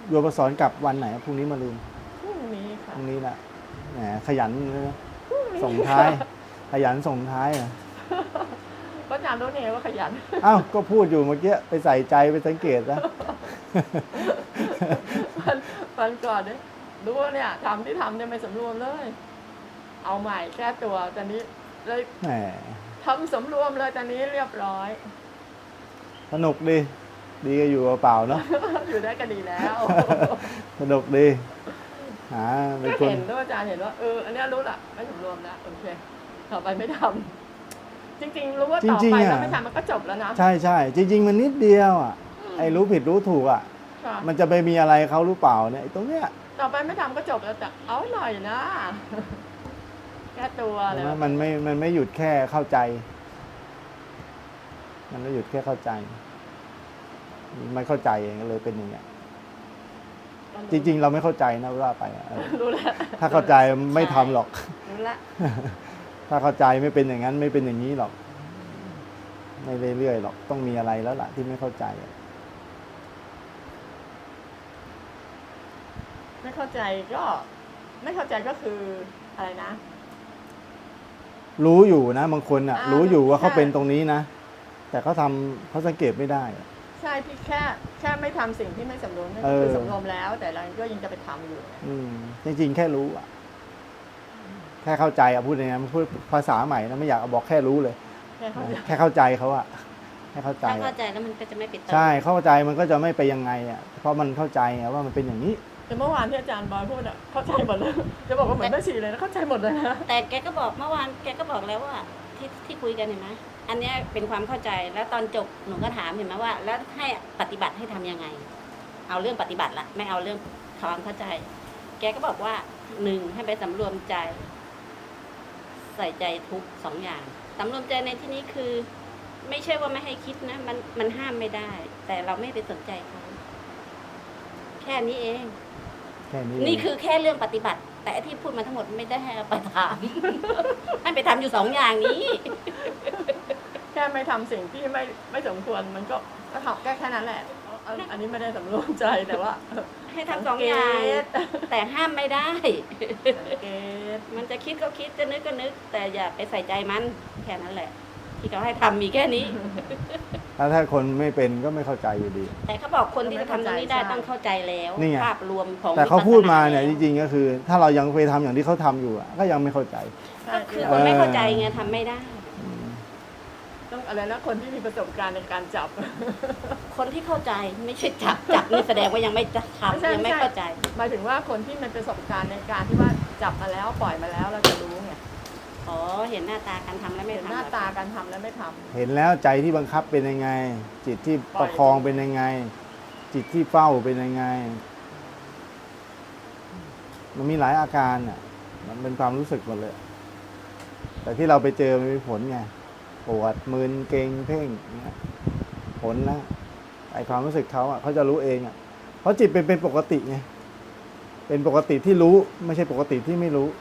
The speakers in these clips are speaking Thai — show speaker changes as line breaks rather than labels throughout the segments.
โยมสอนกลับวันไหนพรุ่งนี้มาลืม
พรุ่งนี้
พ
ค่ะ
รุ่งนี้แหละแหมขยันเลยนะ
พรุ่งนี้
ส่งท้ายขยันส่งท้ายอ่ะ
ก็จำรู้เนี่ยว่าขยัน
อ้าวก็พูดอยู่เมื่อกี้ไปใส่ใจไปสังเกตนะ
วันก่อนเนี่ยดูว่าเนี่ยทำที่ทำเนี่ยไม่สำรวมเลย เอาใหม่แก้ตัวตอนนี้เลย
แหม
ทำสำรวมเลยตอนนี้เรียบร้อย
สนุกดีดีก็อยู่เปล่าๆเนาะ
อยู่ได้ก็ดีแล้ว
สนุกดีหาเป็น
ก็
คน
เห็นด้วยอาจารย์เห็นว่าอันเนี้ยรู้ละไม่สำรวมแล้วโอเคต่อไปไม่ทำจริงๆรู้ว่าต่อไปแล้วไม่ทำมันก็จบแล้วนะ
ใช่ใช่จริง ๆ มันนิดเดียวอ่ะไอ้รู้ผิดรู้ถูกอ่ะ
ค่ะ
มันจะไปมีอะไรเขาหรือเปล่าเนี่ยไอ้ตรงเนี้ย
ต่อไปไม่ทำก็จบแล้วแต่เอาหน่อยนะ แก้ตัวเลย
มันไม่หยุดแค่เข้าใจ มันไม่หยุดแค่เข้าใจไม่เข้าใจเองก็เลยเป็นอย่างเงี้ยจริง ๆ เราไม่เข้าใจนะว่าไป
รู้แล้ว
ถ้าเข้าใจไม่ทำหรอก
รู้ละ
ถ้าเข้าใจไม่เป็นอย่างนั้นไม่เป็นอย่างนี้หรอก ไม่เรื่อยๆหรอกต้องมีอะไรแล้วล่ะที่ไม่เข้าใจ
ไม่เข้าใจก็ไม่เข้าใจก็คืออะไรนะ
รู้อยู่นะบางคนอ่ะ รู้อยู่ว่าเขา
ใช่
เป็นตรงนี้นะแต่เขาสังเกตไม่ได้อะ
ใช่ที่แค่ไม่ทำสิ่งที่ไม่สำรวมนั่นก็คือสำรวมแล้ว แต่เราก็ยังจะไปทำอยู่
จริงๆแค่รู้อ่ะแค่เข้าใจอ่ะพูดยังไงมันพูดภาษาใหม่นะไม่อยากเอาบอกแค่รู้เลย
แค่เข้าใจ
แค่เข้าใจเขาอ่ะแค่เข้าใจ
ถ้าเข้าใจแล้วมันก็จะไม่ปิดตา
ใช่เข้าใจมันก็จะไม่ไปยังไงอ่ะเพราะมันเข้าใจไงว่ามันเป็นอย่างนี้
แต่เมื่อวานที่อาจารย์บอยพูดอ่ะเข้าใจหมดเลยจะบอกว่าเหมือนแม่ชีเลยนะเข้าใจหมดเลยนะ
แต่แกก็บอกเมื่อวานแกก็บอกแล้วว่าที่คุยกันเห็นไหมอันเนี้ยเป็นความเข้าใจแล้วตอนจบหนูก็ถามเห็นไหมว่า แล้วให้ปฏิบัติให้ทำยังไง เอาเรื่องปฏิบัติละไม่เอาเรื่องความเข้าใจ แกก็บอกว่า1ให้ไปสำรวมใจ ใส่ใจทุก2อย่างสำรวมใจในที่นี้คือ ไม่ใช่ว่าไม่ให้คิดนะมันห้ามไม่ได้ แต่เราไม่ไปสนใจเขาแค่นี้เอง
แค่นี้
นี่คือแค่เรื่องปฏิบัติ แต่ไอ้ที่พูดมาทั้งหมดไม่ได้ให้เอาไปทำ ให้ไปทำอยู่2อย่างนี้
แค่ไม่ทำสิ่งที่ไม่สมควรมันก็ทำแค่นั้นแหละอันนี้ไม่ได้สำรวมใจแต่ว่า
ให้ทำ2อย่าง แต่ห้ามไม่ได้
สังเกต
มันจะคิดก็คิดจะนึกก็นึก แต่อย่าไปใส่ใจมันแค่นั้นแหละ ที่เขาให้ทำมีแค่นี้
ถ้าคนไม่เป็นก็ไม่เข้าใจอยู่ดี
แต่เขาบอกคนที่จะทำตรงนี้ได้ต้องเข้าใจแล้ว
นี่ไง
ภาพรวมของ
แต่เขาพูดมาเนี่ย
วิ
จ
ปัสส
ริงๆก็คือ ถ้าเรายังไปทำอย่างที่เขาทำอยู่อะก็ยังไม่เข้าใจ
ก็คือคนไม่เข้าใจไงทำไม่ได้
ต้องอะไรนะคนที่มีประสบการณ์ในการจับ
คนที่เข้าใจไม่ใช่จับนี่แสดงว่ายังไม่ทำยังไม่เข้าใจ
หมายถึงว่าคนที่มีประสบการณ์ในการที่ว่าจับมาแล้วปล่อยมาแล้วเราจะรู้ไง
อ๋อเห็นหน้าตาการทำแล้วไม่
เห็น
ทำ
หน้าตาการทำและไม่ทำ
เห็นแล้วใจที่บังคับเป็นยังไง จิตที่ประคองเป็นยังไง จิตที่เฝ้าเป็นยังไง มันมีหลายอาการอ่ะมันเป็นความรู้สึกหมดเลย แต่ที่เราไปเจอมันมีผลไงปวดมึนเกร็งเพ่งเนี่ยผลนะไอความรู้สึกเขาอ่ะเขาจะรู้เองอ่ะเพราะจิตเป็นปกติไงเป็นปกติที่รู้ไม่ใช่ปกติที่ไม่รู้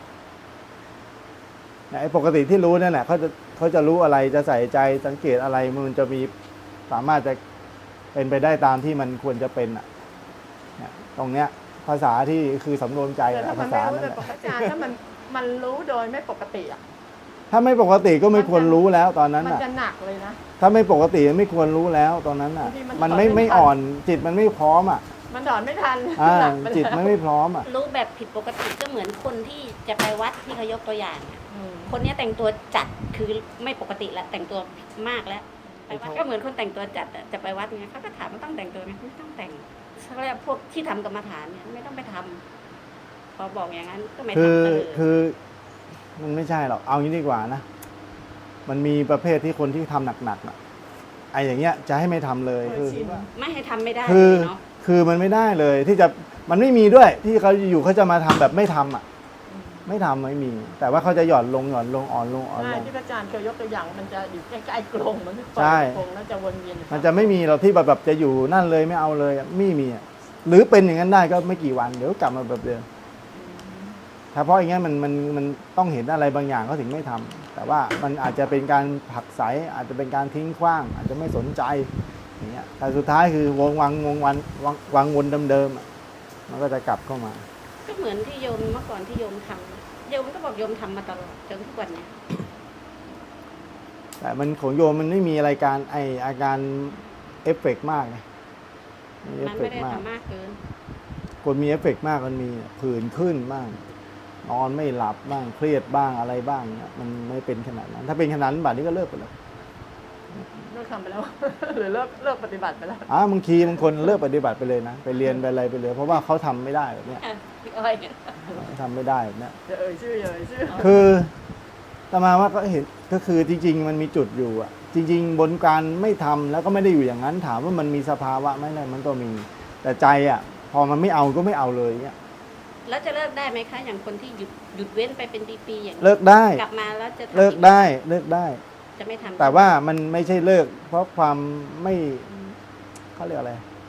ไอ้ปกติที่รู้นั่นแหละเขาจะรู้อะไรจะใส่ใจสังเกตอะไรมันจะมีสามารถจะเป็นไปได้ตามที่มันควรจะเป็นอ่ะตรงเนี้ยภาษาที่คือสำรวมใจ
แต่ถ้ามัน
ภา
ไม่
ษา
รู้
นั่น
โด
แห
ย
ละ
ปกติถ้ามันรู้โดยไม่ปกติอ่ะ
ถ้าไม่ปกติก็ไม่ควรรู้แล้วตอนนั้น
มัน
อ่ะ
จะหนักเลยนะ
ถ้าไม่ปกติไม่ควรรู้แล้วตอนนั้นอ่ะ
บางทีมัน
มัน
ถอนไม่
ไม่
ทัน
อ่อนจิตมันไม่พร้อมอ่ะ
มันถอนไม่ทัน หนักไป
จิต
แล้ว
ไม่พร้อมอ่ะ
รู้แบบผิดปกติก็เหมือนคนที่จะไปวัดที่เขายกตัวอย่างอะ
อืม
คนเนี้ยแต่งตัวจัดคือไม่ปกติละแต่งตัวมากแล้วไปวัดก็เหมือนคนแต่งตัวจัดอะจะไปวัดไงเขาก็ถามว่าต้องแต่งตัวไหมไม่ต้องแต่งเขาเรียกพวกที่ทำกรรมฐานเนี่ยไม่ต้องไปทำพอบอกอย่างนั้นก็ไม่
คื
ทำ
อ
ก็เลย
คือมันไม่ใช่หรอกเอางี้ดีกว่านะมันมีประเภทที่คนที่ทำหนักๆอ่ะไอ้อย่างเงี้ยจะให้ไม่ทำเลย
เค
คื
ย
อ
ชิน
ไม่ให้ทำไม่ได้
คือ
เลยเนาะ
คือมันไม่ได้เลยที่จะมันไม่มีด้วยที่เขาอยู่เขาจะมาทำแบบไม่ทำอ่ะ ไม่ทำไม่มี แต่ว่าเขาจะหย่อนลงอ่อนลงอ่อนลง
ใช่ที่พระอาจารย์เคยยกตัวอย่างมันจะอยู่ใกล้ๆกรงมันปล่
ใช่
อยกรงแล้วจะวนเวียนอยู่
มันจะไม่มีเราที่แบบจะอยู่นั่นเลยไม่เอาเลยไม่มีอ่ะหรือเป็นอย่างนั้นได้ก็ไม่กี่วันเดี๋ยวกลับมาแบบเดิมถ้าเพราะอย่างงี้นมันต้องเห็นอะไรบางอย่างเขาถึงไม่ทำแต่ว่ามันอาจจะเป็นการผลักไสอาจจะเป็นการทิ้งขว้าง อาจจะไม่สนใจอย่างเงี้ยแต่สุดท้ายคือวงวังวนเดิมๆอะมันก็จะกลับเข้ามา
ก็เหมือนที่โยมเมื่อก่อนที่โยมทำโยมก็บอกโยมทำมาตลอดจนทุกวันเนี้ย
แต่มันของโยมมันไม่มีอะไรการอาการเอฟเฟกต์มากไงเอ
มั
ฟ
น
เฟ
ไม่
ก
ได้
ต์มาก
ทำมากเกิน
คนมีเอฟเฟกต์มากมันมีผื่นขึ้นบ้างนอนไม่หลับบ้างเครียดบ้างอะไรบ้างเนี่ยมันไม่เป็นขนาดนั้น ถ้าเป็นขนาดนั้นบัดนี้ก็เลิกไปแล้ว
เลิกทำไปแล้ว หรือเลิกปฏิบัติไปแล้ว
บางทีบางคนเลิกปฏิบัติไปเลยนะไปเรียนไปอะไรไปเลย เพราะว่าเขาทำไม่ได้แบบเนี้ย
พี่อ้อยเนี่ย
ทำไม่ได้แบบเนี้ย
อย่าเอ่ยชื่ออย่าเอ่ยชื่อ
คือแต่มาว่าก็เห็นก็คือจริงๆมันมีจุดอยู่อ่ะ จริง ๆ บนการไม่ทำแล้วก็ไม่ได้อยู่อย่างนั้นถามว่ามันมีสภาวะไหมอะไรมันก็มี แต่ใจอ่ะ พอมันไม่เอาก็ไม่เอาเลยเนี่ย
แล้วจะเลิกได้ไหมคะ อย่างคนที่หยุดเว้นไปเป็นปีๆอย่างนี้
เลิกได้
กลับมาแล้วจะทำ
เลิกได้เลิกได้
จะไม่ทำ
แต่ว่ามันไม่ใช่เลิก เพราะความไม่เขาเรียกอะไร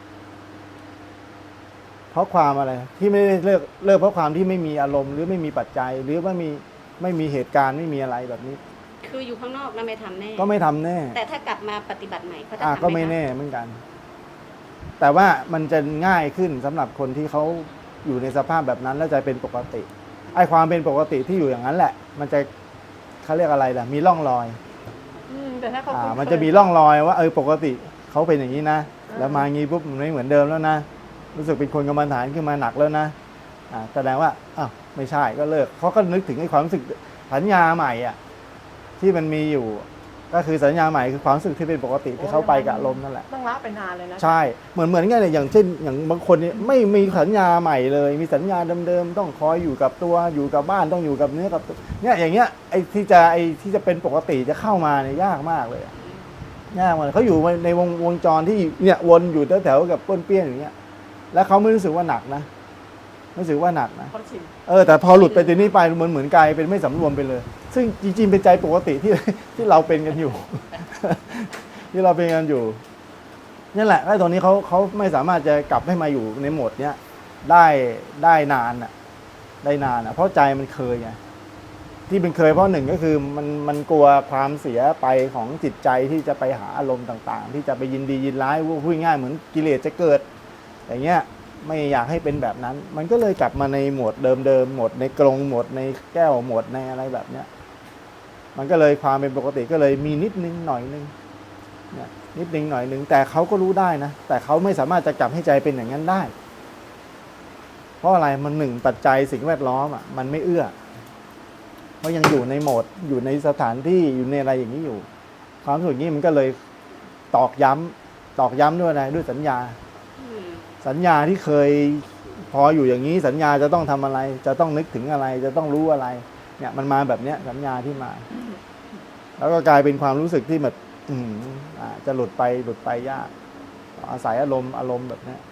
เพราะความอะไร ที่ไม่ได้เลิกเพราะความที่ไม่มีอารมณ์หรือไม่มีปัจจัย หรือว่าไม่มีเหตุการณ์ไม่มีอะไรแบบนี้
คืออยู่ข้างนอกนะไม่ทำแน่
ก็ไม่ทำแน่
แต่ถ้ากลับมาปฏิบัติใหม่เขาจะทำ
ก็ไม่
หคะ
แน่เหมือนกัน แต่ว่ามันจะง่ายขึ้นสำหรับคนที่เขาอยู่ในสภาพแบบนั้นแล้วจะเป็นปกติไอ้ความเป็นปกติที่อยู่อย่างนั้นแหละ มันจะเขาเรียกอะไรล่ะมีร่องรอย
แต่ถ้าเขาคุ้นเคย
มันจะมีร่องรอยว่าปกติเขาเป็นอย่างนี้นะแล้วมางี้ปุ๊บมันไม่เหมือนเดิมแล้วนะรู้สึกเป็นคนกรรมฐานขึ้นมาหนักแล้วนะแสดงว่าไม่ใช่ก็เลิกเขาก็นึกถึงไอ้ความรู้สึกสัญญาใหม่อ่ะที่มันมีอยู่ ก็คือสัญญาใหม่คือความรู้สึกที่เป็นปกติที่เขาไปกับลมณ์นั่นแหละ
ต้องละไปนานเลยนะ
ใช่เหมือนกันเลยอย่างเช่นอย่างบางคนเนี่ยไม่มีสัญญาใหม่เลย มีสัญญาเดิมๆต้องคอยอยู่กับตัวอยู่กับบ้านต้องอยู่กับเนื้อกับตัวเนี่ยอย่างเงี้ยไอ้ที่จะเป็นปกติจะเข้ามาเนี่ยยากมากเลยยากมากเขาอยู่ในวงจรที่เนี่ยวนอยู่แถวๆกับป้วนเปี้ยนอย่างเงี้ยแล้วเขาไม่รู้สึกว่าหนักนะไม่รู้สึกว่าหนักนะ
เขาชิน
แต่พอหลุดไปตรงนี้ไปเหมือนกลายเป็นไม่สำรวมไปเลย ซึ่งจริงๆเป็นใจปกติที่เราเป็นกันอยู่ ที่เราเป็นกันอยู่นั่นแหละไอ้ตรงนี้เขาไม่สามารถจะกลับให้มาอยู่ในโหมดเนี้ยได้นานอ่ะได้นานอ่ะเพราะใจมันเคยไงที่เป็นเคยเพราะหนึ่งก็คือมันกลัวความเสียไปของจิตใจที่จะไปหาอารมณ์ต่างๆ ที่จะไปยินดียินร้ายพูดง่ายเหมือนกิเลสจะเกิด อย่างเงี้ยไม่อยากให้เป็นแบบนั้น มันก็เลยกลับมาในโหมดเดิมๆโหมดในกรงโหมดในแก้วโหมดในอะไรแบบเนี้ยมันก็เลยความเป็นปกติก็เลยมีนิดนึงหน่อยนึงเนี่ยนิดนึงหน่อยนึงแต่เขาก็รู้ได้นะแต่เขาไม่สามารถจะกลับให้ใจเป็นอย่างนั้นได้ เพราะอะไรมันหนึ่งปัจจัยสิ่งแวดล้อมมันไม่เอื้อเพราะยังอยู่ในโหมดอยู่ในสถานที่อยู่ในอะไรอย่างนี้อยู่ ความรู้สึกนี้มันก็เลยตอกย้ำด้วยอะไรด้วยสัญญา สัญญาที่เคยพออยู่อย่างนี้สัญญาจะต้องทำอะไร จะต้องนึกถึงอะไร จะต้องรู้อะไร เนี่ยมันมาแบบเนี้ยสัญญาที่มา แล้วก็กลายเป็นความรู้สึกที่แบบจะหลุดไปยากอาศัยอารมณ์แบบเนี้ย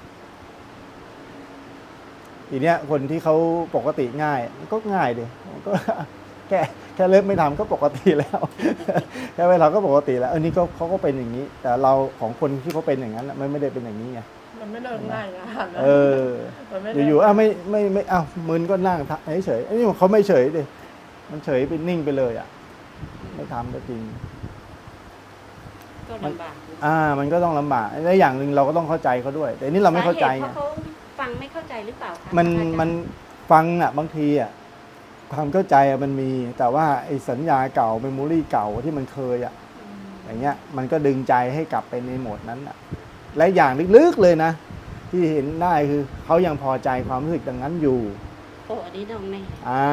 ทีเนี้ยคนที่เขาปกติง่ายก็ง่ายดิก็แค่เลิกไม่ทำก็ปกติแล้ว แค่เวลาก็ปกติแล้วนี่ก็เขาก็เป็นอย่างนี้ แต่เราของคนที่เขาเป็นอย่างนั้นไม่ได้เป็นอย่างนี้ไง
มันไม่เลิกง่ายนะมันไม่
อยู่ๆไม่มึนก็นั่งเฉยๆอันนี้เขาไม่เฉยดิมันเฉยไปนิ่งไปเลยไม่ทำก็จริง
ก็ลำบาก
มันก็ต้องลำบากและอย่างหนึ่งเราก็ต้องเข้าใจเขาด้วย แต่นี่เราไม่เข้าใจ
เพราะเขาฟังไม่เข้าใจหรือเปล่าคะ
มันฟังบางทีความเข้าใจมันมี แต่ว่าไอ้สัญญาเก่าเมมโมรี่เก่าที่มันเคยอย่างเงี้ยมันก็ดึงใจให้กลับไปในโหมดนั้นและอย่างลึกๆเลยนะที่เห็นได้คือเขายังพอใจความรู้สึกอย่างนั้นอยู่
โอ้อันนี้น้องแม่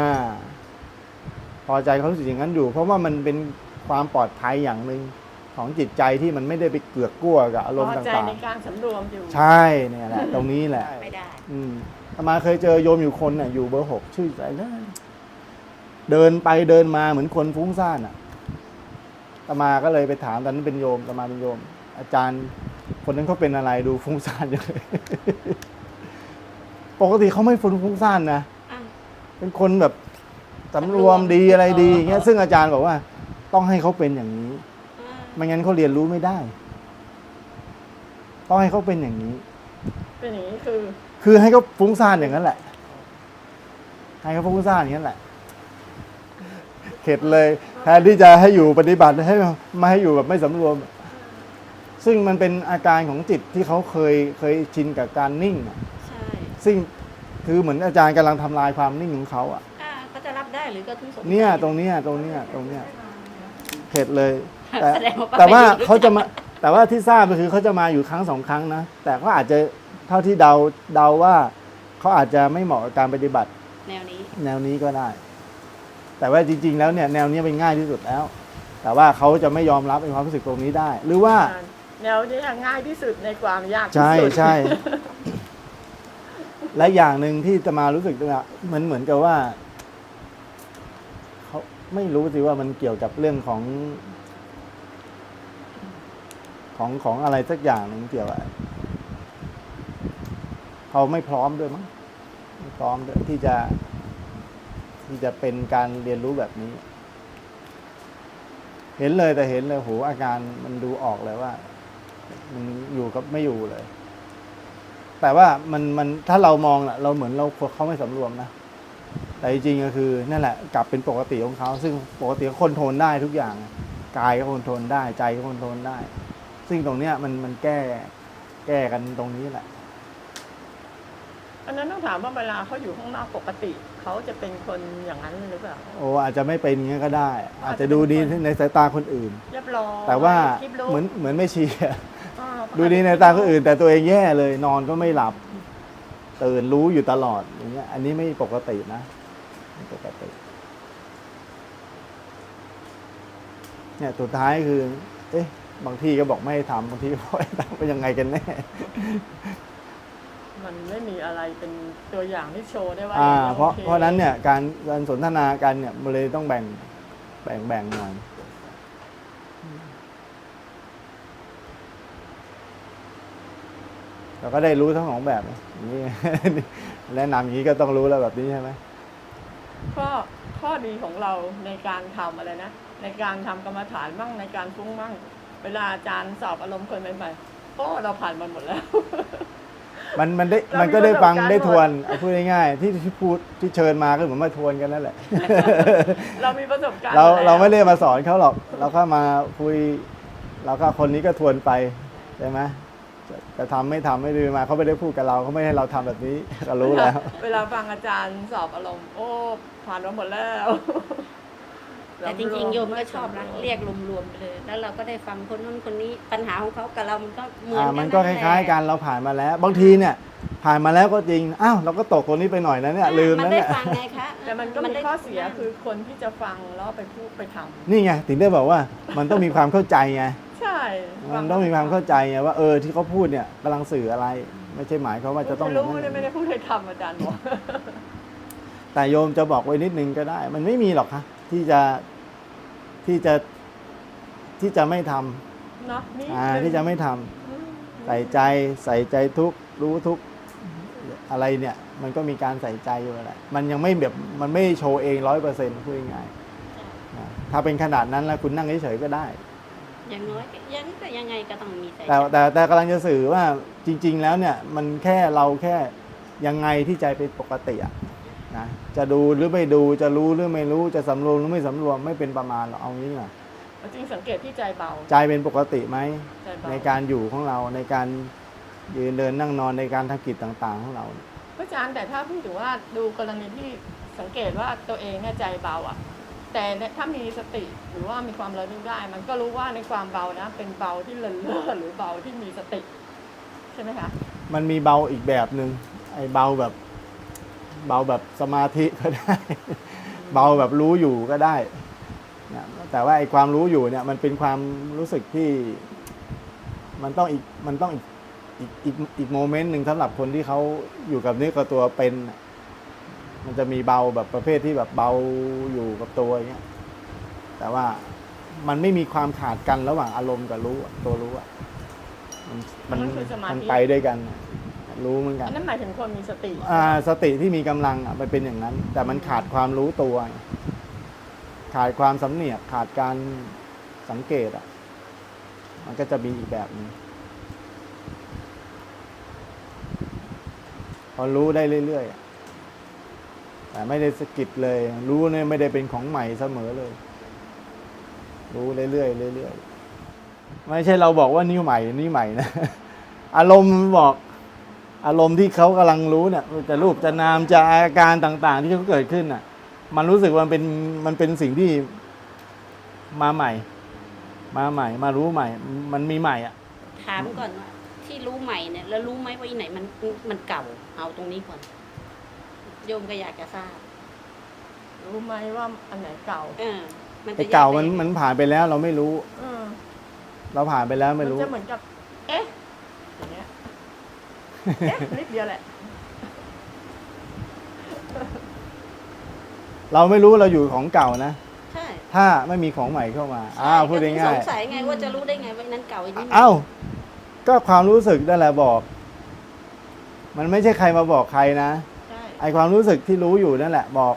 พอใจเขารู้สึกอย่างนั้นอยู่ เพราะว่ามันเป็นความปลอดภัยอย่างหนึ่งของจิตใจที่มันไม่ได้ไปเกือกกลัวกับอารมณ์
พอใจ
ต่าง
ในการสำรวมอยู่
ๆใช่เนี่ยแหละตรงนี้แหละ
ไม่ได้
อามาเคยเจอโยมอยู่คนอยู่เบอร์ 6ชื่ออะไรนะเดินไปเดินมาเหมือนคนฟุ้งซ่านอามาก็เลยไปถามตอนนั้นเป็นโยมอามาเป็นโยม อาจารย์คนนั้นเขาเป็นอะไรดูฟุ้งซ่านอย่างเลย ปกติเขาไม่ฟุ้งซ่านนะเป็นคนแบบสำรวมดีอะไรดีอย่างเงี้ยซึ่งอาจารย์บอกว่าต้องให้เขาเป็นอย่างนี้ไม่งั้นเขาเรียนรู้ไม่ได้ต้องให้เขาเป็นอย่างนี้
เป็นอย่างนี้
คือให้เขาฟุ้งซ่านอย่างนั้นแหละให้เขาฟุ้งซ่านอย่างนั้นแหละเข็ดเลยแทนที่จะให้อยู่ปฏิบัติให้มาให้อยู่แบบไม่สำรวมซึ่งมันเป็นอาการของจิตที่เขาเคยชินกับการนิ่ง
ใช่
ซึ่งคือเหมือนอาจารย์กำลังทำลายความนิ่งของเขาอ่ะ
เขาจะรับได้หรือก็ถึงสงสัย
เนี่ยตรงเนี้ยเผ็ดเลย แต่
แสดงว่าป้า
แต่ว่า
ไม่รู้
เขาจะมาแต่ว่าที่ทราบก็คือเขาจะมาอยู่ครั้งสองครั้งนะแต่ก็อาจจะเท่าที่เดาว่าเขาอาจจะไม่เหมาะกับการปฏิบัติ
แนวนี้
แนวนี้ก็ได้ แต่ว่าจริง ๆ แล้วเนี่ยแนวนี้เป็นง่ายที่สุดแล้ว แต่ว่าเขาจะไม่ยอมรับในความรู้สึกตรงนี้ได้ หรือว่า
แนวนี้ง่ายที่สุดในความยากที่
ใช่
สุด
ใช่ และอย่างหนึ่งที่จะมารู้สึกว่าเหมือนกับว่าเขาไม่รู้สิว่ามันเกี่ยวกับเรื่องของอะไรสักอย่างหนึ่งเกี่ยวกับเขาไม่พร้อมด้วยมั้งไม่พร้อมด้วยที่จะเป็นการเรียนรู้แบบนี้ เห็นเลยแต่เห็นเลยโหอาการมันดูออกเลยว่า มันอยู่กับไม่อยู่เลย แต่ว่ามันถ้าเรามองเราเหมือนเขาไม่สำรวมนะแต่จริงๆก็คือนั่นแหละกลับเป็นปกติของเขาซึ่งปกติเขาคอนโทรลได้ทุกอย่างกายก็คอนโทรลได้ใจก็คอนโทรลได้ ซึ่งตรงเนี้ยมันแก้กันตรงนี้แหละ
อันนั้นต้องถามว่าเวลาเขาอยู่ข้างนอกปกติเขาจะเป็นคนอย่างนั้นหรือเปล่า
โอ้อาจจะไม่เป็นอย่างนี้ก็ได้ อาจจะดูดีในสายตาคนอื่น
เรียบร้อย
แต่ว่า
คลิปรู้
เหมือนไม่เชียร์
อ่า
ดูดีในตาคนอื่น แต่ตัวเองแย่เลยนอนก็ไม่หลับตื่นรู้อยู่ตลอดอย่างเงี้ย อันนี้ไม่ปกตินะไม่ปกติเนี่ยสุดท้ายคือ เอ๊ะบางที่ก็บอกไม่ให้ทำบางที่ก็บอกให้ทำเป็นยังไงกันแน่
มันไม่มีอะไรเป็นตัวอย่างที่โชว์ได้ว่า
เพราะ
โอค
เพราะนั้นเนี่ยการสนทนากันเนี่ยมันเลยต้องแบ่งหน่อยเราก็ได้รู้ทั้งสองแบบอย่างนี้ แนะนำอย่างนี้ก็ต้องรู้แล้วแบบนี้ใช่ไหม
ข้อดีของเราในการทำอะไรนะในการทำกรรมฐานมั่งในการฟุ้งมั่งเวลาอาจารย์สอบอารมณ์คนใหม่ๆก็เราผ่านมันหมดแล้ว
มันก็ได้ฟังได้ทวนเอาพูดง่ายๆที่พูดที่เชิญมาก็เหมือนมาทวนกันนั่นแหละ
เรามีประสบการณ์
เรา
แล้ว
ไม่ได้มาสอนเขาหรอก เราก็มาคุยเราก็คนนี้ก็ทวนไปใช่ไหมจะทำไม่ทำไม่ดีมาเขาไม่ได้พูดกับเราเขาไม่ให้เราทำแบบนี้ก็รู้แล้ว
เวลาฟังอาจารย์สอบอารมณ์โอ้ผ่านมาหมดแล้ว
แต่จริงๆโยมก็ชอบนะเรียกรวมๆไปเลย แล้วเราก็ได้ฟังคนนู้นคนนี้ปัญหาของเขากับเรามันก็เหมือนกัน
มันก็คล้ายๆกันเราผ่านมาแล้ว บางทีเนี่ย ผ่านมาแล้วก็จริงอ้าวเราก็ตกตัวนี้ไปหน่อยนะเนี่ยลืม
มัน
นะ
ได้
เนี่ย
ฟังไงคะ
แต่มันก็มีข้อเสียคือคนที่จะฟังแล้วไปพูดไปทำ
นี่ไงถึงได้บอกว่ามันต้องมีความเข้าใจไง
ใช่
มันต้องมีความเข้าใจไงว่าที่เขาพูดเนี่ยกำลังสื่ออะไร ไม่ใช่หมายเขามว่าจะต้อง
รู้ไม่ได้พูดให้ทำอาจารย์บอก
แต่โยมจะบอกไว้นิดนึงก็ได้ มันไม่มีหรอกคะที่จะไม่ทำ
เนาะนี่
ที่จะไม่ทำใส่ใจทุกรู้ทุกอะไรเนี่ย มันก็มีการใส่ใจอยู่แหละมันยังไม่แบบมันไม่โชว์เอง100%พูดง่ายๆถ้าเป็นขนาดนั้นแล้วคุณนั่งเฉยๆก็ได้
อย่างน้อยยังไงก็ต้องมีใจ
แต่กำลังจะสื่อว่าจริง ๆ แล้วเนี่ย มันแค่เราแค่ยังไงที่ใจเป็นปกติอะนะจะดูหรือไม่ดูจะรู้หรือไม่รู้จะสำรวมหรือไม่สำรวมไม่เป็นประมาณหรอกเอางี้นะ
จริงสังเกตที่ใจเบา
ใจเป็นปกติไหม
ใจเบา
ในการอยู่ของเราในการยืนเดินนั่งนอนในการทำกิจต่างๆของเรา
อาจารย์แต่ถ้าพูดถึงว่าดูกรณีที่สังเกตว่าตัวเองเนี่ยใจเบาอ่ะ แต่ถ้ามีสติหรือว่ามีความระลึกได้ มันก็รู้ว่าในความเบานะเป็นเบาที่เลินเล่อหรือเบาที่มีสติใช่ไหมคะ
มันมีเบาอีกแบบหนึ่งไอ้เบาแบบสมาธิก็ได้ เบาแบบรู้อยู่ก็ได้นะแต่ว่าไอ้ความรู้อยู่เนี่ยมันเป็นความรู้สึกที่มันต้องอีกโมเมนต์หนึ่งสำหรับคนที่เขาอยู่กับเนื้อกับตัวเป็นมันจะมีเบาแบบประเภทที่แบบเบาอยู่กับตัวอย่างเงี้ยแต่ว่ามันไม่มีความขาดกันระหว่างอารมณ์กับรู้ตัวรู้อะมันไปด้วยกันรู้เหมือนกัน
อันนั้นหมายถึงคนมีสติ
สติที่มีกำลังมันเป็นอย่างนั้น แต่มันขาดความรู้ตัว ขาดความสำเนียกขาดการสังเกตมันก็จะมีอีกแบบนึงพอรู้ได้เรื่อยๆแต่ไม่ได้สะกิดเลย รู้เนี่ยไม่ได้เป็นของใหม่เสมอเลย รู้เรื่อยๆเรื่อยๆไม่ใช่เราบอกว่านี่ใหม่นะ อารมณ์บอกอารมณ์ที่เขากำลังรู้เนี่ยจะรูปจะนามจะอาการต่างๆ ที่เขาเกิดขึ้นน่ะ มันรู้สึกว่ามันเป็นสิ่งที่มาใหม่ มารู้ใหม่ มันมีใหม่อ่ะ
ถามก่อนว่าที่รู้ใหม่เนี่ยแล้วรู้ไหมว่าอีไหนมันเก่า เอาตรงนี้ก่อนโยมก็อยากจะทราบ
รู้ไหมว่าอันไหนเก่า
มันจะ
ไอ้เก่า
แย
มันผ่านไปแล้วเราไม่รู้
เออ
เราผ่านไปแล้ว
มั
ไม่
น
รู้
จะเหมือนกับ เอ๊ะอย่างเงี้ยเอ๊ะนิดเดียวแหละ
เราไม่รู้เราอยู่ของเก่านะ
ใช่
ถ้าไม่มีของใหม่เข้ามาพูด
ก็ถึ
ง่าย
สงสัยไงว่าจะรู้ได้ไงว่านั้นเก่าอีกนิด
ๆอ้าวก็ความรู้สึกนั่นแหละบอก มันไม่ใช่ใครมาบอกใครนะ
ใช่
ไอความรู้สึกที่รู้อยู่นั่นแหละบอก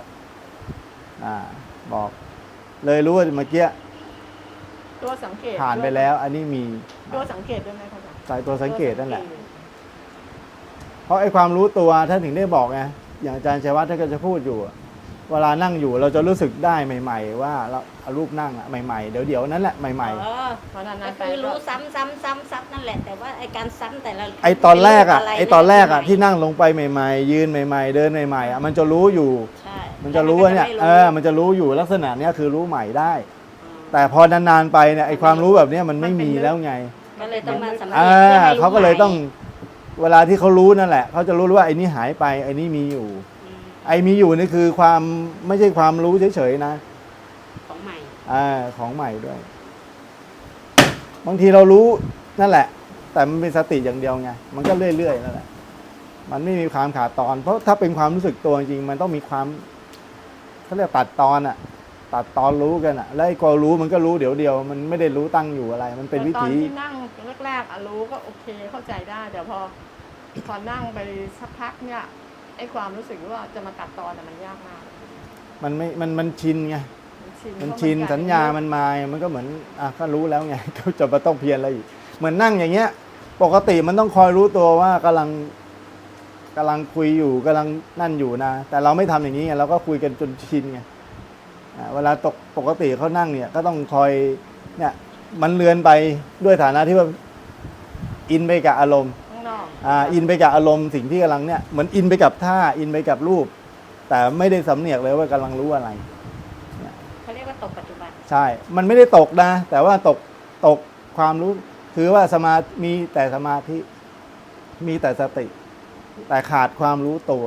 บอก เลยรู้ว่าเมื่อกี้
ตัวสังเกต
ผ่านไปแล้ว อันนี้มี
ตัวสังเกตด้วยไหมคะอาจารย์
สายตัวสังเกตนั่นแหละ เพราะไอความรู้ตัวท่านถึงได้บอกไงอย่างอาจารย์ชัยวัฒน์ท่านก็จะพูดอยู่อะเวลานั่งอยู่เราจะรู้สึกได้ใหม่ ๆ ว่าเราเอารูปนั่งอะใหม่ๆเดี๋ยวนั้นแหละใหม่
อ๋อ
เพราะนั้น
ก็
ไป
คือ
ก็
รู้ซ้ำนั่นแหละ แต่ว่าไอการซ้ำแต่ละ
ๆไอตอนแรกอะ
เป็
ไอตอนแรกอะที่นั่งลงไปใหม่ๆยืนใหม่ๆเดินใหม่ๆอะมันจะรู้อยู่
ใช่
มันจะรู้ว่าเนี่ย
แต่
มันจะรู้อยู่ลักษณะเนี้ยคือรู้ใหม่ได้
อืม
แต่พอนานๆไปเนี่ยไอความรู้แบบเนี้ยมันไม่มีแล้วไง
ก็เลยต้องมาสำเนียงพื่อให้รู้
เขาก็เลยต้อง
ใหม่
เวลาที่เขารู้นั่นแหละเขาจะรู้ว่าไอ้นี่หายไปไอ้นี่มีอยู่
อืม
ไอ้มีอยู่นี่คือความไม่ใช่ความรู้เฉยๆนะ
ของใหม่
ของใหม่ด้วย บางทีเรารู้นั่นแหละ แต่มันเป็นสติอย่างเดียวไงมันก็เรื่อยๆนั่นแหละมันไม่มีความขาดตอน เพราะถ้าเป็นความรู้สึกตัวจริงๆมันต้องมีความเขาเรียกตัดตอนอะตัดตอนรู้กันอะแล้วไอ้ก็รู้มันก็รู้เดี๋ยวเดียวมันไม่ได้รู้ตั้งอยู่อะไร มันเป็นวิ
แต่ตอน
ถี
ที่นั่งแรกๆอะรู้ก็โอเคเข้าใจได้แต่พอนั่งไปสักพักเนี่ยไอ้ความรู้สึกว่าจะมาตัดตอนอะมันยากมาก
มันชินไง มันชิน
เพระ
สัญญามันมา มันก็เหมือนก็รู้แล้วไง ก็จะมาต้องเพียรอะไรอีก เหมือนนั่งอย่างเงี้ย ปกติมันต้องคอยรู้ตัวว่ากำลังคุยอยู่กำลังนั่นอยู่นะ แต่เราไม่ทำอย่างนี้ไงเราก็คุยกันจนชินไงเวลาปกติเขานั่งเนี่ย ก็ต้องคอยเนี่ยมันเลือนไปด้วยฐานะที่ว่าอินไปกับอารมณ์
ข้างนอก
อินไปกับอารมณ์สิ่งที่กำลังเนี่ยเหมือนอินไปกับท่าอินไปกับรูป แต่ไม่ได้สำเนียกเลยว่ากำลังรู้อะไร
เขาเรียกว่าตกปัจจุบัน
ใช่ มันไม่ได้ตกนะ แต่ว่าตกความรู้ คือว่ามีแต่สมาธิ มีแต่สติ แต่ขาดความรู้ตัว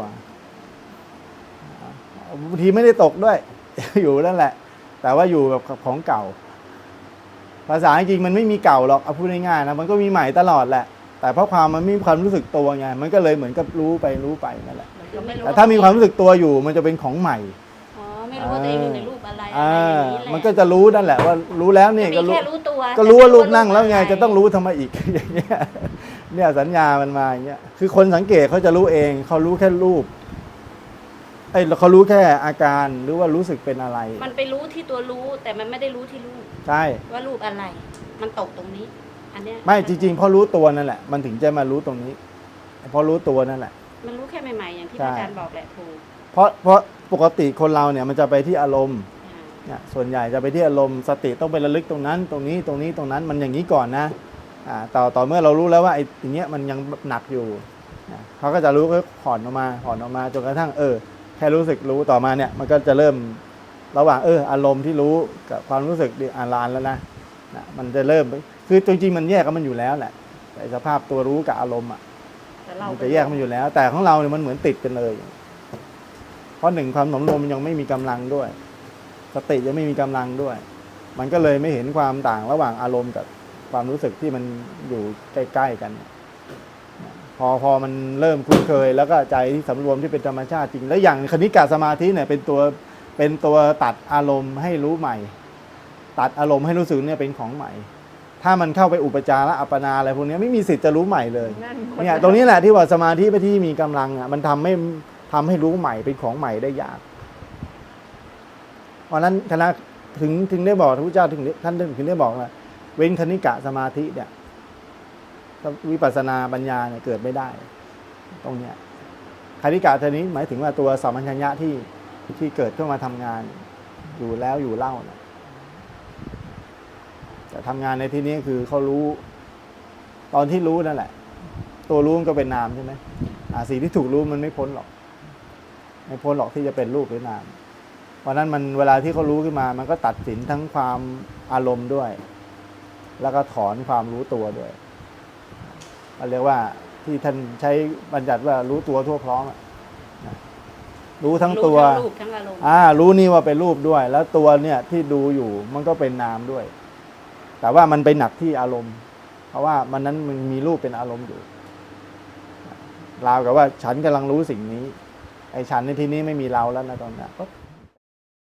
บางทีไม่ได้ตกด้วย อยู่นั่นแหละ แต่ว่าอยู่แบบของเก่า ภาษาจริงมันไม่มีเก่าหรอก เอาพูดง่ายๆนะ มันก็มีใหม่ตลอดแหละ แต่เพราะมันไม่มีความรู้สึกตัวไง มันก็เลยเหมือนกับรู้ไปนั่นแหละ
มันก็ไม่รู้
แต่ถ้ามีความรู้สึกตัวอยู่ มันจะเป็นของใหม่
อ๋อ ไม่รู้ว่าตัวเองอยู่ในรูปอะไรอย่างนี้แหละ
มันก็จะรู้นั่นแหละว่ารู้แล้วเนี่ยก็
มี
รู้
แค่รู้ตัว
ก็รู้ว่ารูปนั่ง
ต่
แล้วไง
ม่
จะต้องรู้ทำไมอีก อย่างเงี้ยเนี่ยสัญญามันมาอย่างเงี้ยคือคนสังเกตเขาจะรู้เองเขารู้แค่รูปเขารู้แค่อาการหรือว่ารู้สึกเป็นอะไร
มันไปรู้ที่ตัวรู้ แต่มันไม่ได้รู้ที่รูป
ใช่
ว่ารูปอะไร มันตกตรงนี้ อันเนี้ย
ไม่จริงๆเพราะรู้ตัวนั่นแหละมันถึงจะมารู้ตรงนี้เพราะรู้ตัวนั่นแหละ
มันรู้แค่ใหม่ๆอย่างที่
ใช่
อาจารย์บอกแหละถูก
เพราะปกติคนเราเนี่ยมันจะไปที่อารมณ์เนี่ยส่วนใหญ่จะไปที่อารมณ์สติต้องไประลึกตรงนั้น ตรงนี้ตรงนี้ตรงนั้นมันอย่างนี้ก่อนนะต่อเมื่อเรารู้แล้วว่าไอ้อย่างเงี้ยมันยังหนักอยู่เขาก็จะรู้ก็ผ่อนออกมาจนกระทั่งแค่รู้สึกรู้ต่อมาเนี่ยมันก็จะเริ่มระหว่างอารมณ์ที่รู้กับความรู้สึกอ่านลานแล้วนะมันจะเริ่มคือจริงๆมันแยกกันมันอยู่แล้วแหละแต่สภาพตัวรู้กับอารมณ์มันจะแยกมันอยู่แล้ว แต่ของเราเนี่ยมันเหมือนติดกันเลยเพราะหนึ่งความหนมรวมมันยังไม่มีกำลังด้วยสติยังไม่มีกำลังด้วย มันก็เลยไม่เห็นความต่างระหว่างอารมณ์กับความรู้สึกที่มันอยู่ใกล้ๆกันพอมันเริ่มคุ้นเคยแล้วก็ใจที่สำรวมที่เป็นธรรมชาติจริงแล้วอย่างคณิกะสมาธิเนี่ยเป็นตัวตัดอารมณ์ให้รู้ใหม่ ตัดอารมณ์ให้รู้สึกเนี่ยเป็นของใหม่ ถ้ามันเข้าไปอุปจาระอัปปนาอะไรพวกนี้ไม่มีสิทธิ์จะรู้ใหม่เลยเนี่ยตรงนี้แหละที่ว่าสมาธิที่มีกำลังมันทำให้รู้ใหม่เป็นของใหม่ได้ยากเพราะนั้นคณะถึงได้บอกพระพุทธเจ้าท่านถึงได้บอกว่าเว้นคณิกะสมาธิเนี่ยวิปัสสนาปัญญาเนี่ยเกิดไม่ได้ตรงเนี้ยคณิกะทีนี้หมายถึงว่าตัวสัมมัญญะที่เกิดขึ้นมาทำงานอยู่แล้วอยู่เล่านะแต่ทำงานในที่นี้คือเขารู้ตอนที่รู้นั่นแหละตัวรู้มันก็เป็นนามใช่ไหม
ใช่
สิ่งที่ถูกรู้มันไม่พ้นหรอก ไม่พ้นหรอกที่จะเป็นรูปหรือนามเพราะนั้นมันเวลาที่เขารู้ขึ้นมามันก็ตัดสินทั้งความอารมณ์ด้วย แล้วก็ถอนความรู้ตัวด้วยเรียกว่าที่ท่านใช้บัญญัติว่ารู้ตัวทั่วพร้อมรู้ทั้งตัว
รู้ทั้งรูปทั้งอารมณ์
รู้นี่ว่าเป็นรูปด้วย แล้วตัวเนี่ยที่ดูอยู่มันก็เป็นนามด้วย แต่ว่ามันไปหนักที่อารมณ์ เพราะว่ามันนั้นมันมีรูปเป็นอารมณ์อยู่ราวกับว่าฉันกำลังรู้สิ่งนี้ ไอ้ฉันในที่นี้ไม่มีเราแล้วนะตอนนี้